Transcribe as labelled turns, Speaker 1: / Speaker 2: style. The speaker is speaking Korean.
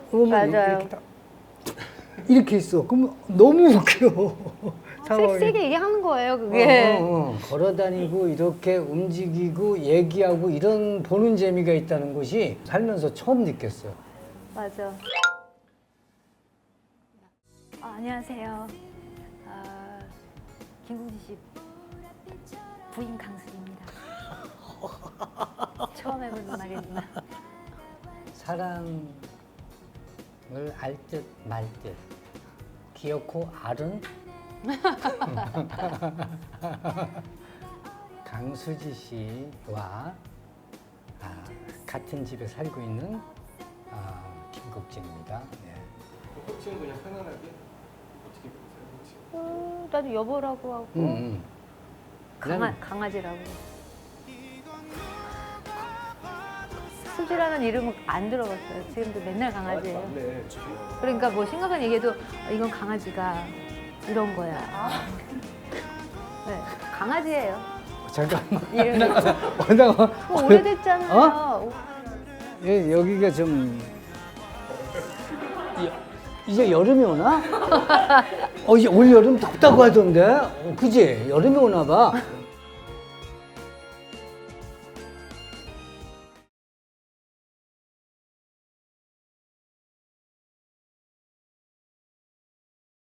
Speaker 1: 맞아요.
Speaker 2: 이렇게 딱 이렇게 있어. 그럼 너무 웃겨. 상황이.
Speaker 1: 세게 얘기하는 거예요, 그게.
Speaker 2: 걸어다니고 이렇게 움직이고 얘기하고 이런 보는 재미가 있다는 것이 살면서 처음 느꼈어요.
Speaker 1: 맞아. 안녕하세요. 김국진 씨 부인 강수입니다. 처음 해보는 말입니다.
Speaker 2: 사랑을 알 듯 말 듯 기어코 알은 강수지 씨와 같은 집에 살고 있는 김국진입니다. 네.
Speaker 3: 호칭은 그냥 편안하게 어떻게 부르세요? 호칭?
Speaker 1: 나도 여보라고 하고
Speaker 2: 난-
Speaker 1: 강아지라고. 수지라는 이름은 안 들어봤어요. 지금도 맨날 강아지예요.
Speaker 3: 맞네.
Speaker 1: 그러니까 뭐 심각한 얘기해도 이건 강아지가 이런 거야. 네, 강아지예요.
Speaker 2: 잠깐만.
Speaker 1: 이름이.
Speaker 2: 잠깐만.
Speaker 1: 뭐 오래됐잖아요.
Speaker 2: 예, 여기가 좀 이제 여름이 오나? 이제 올 여름 덥다고 하던데, 그지? 여름이 오나 봐.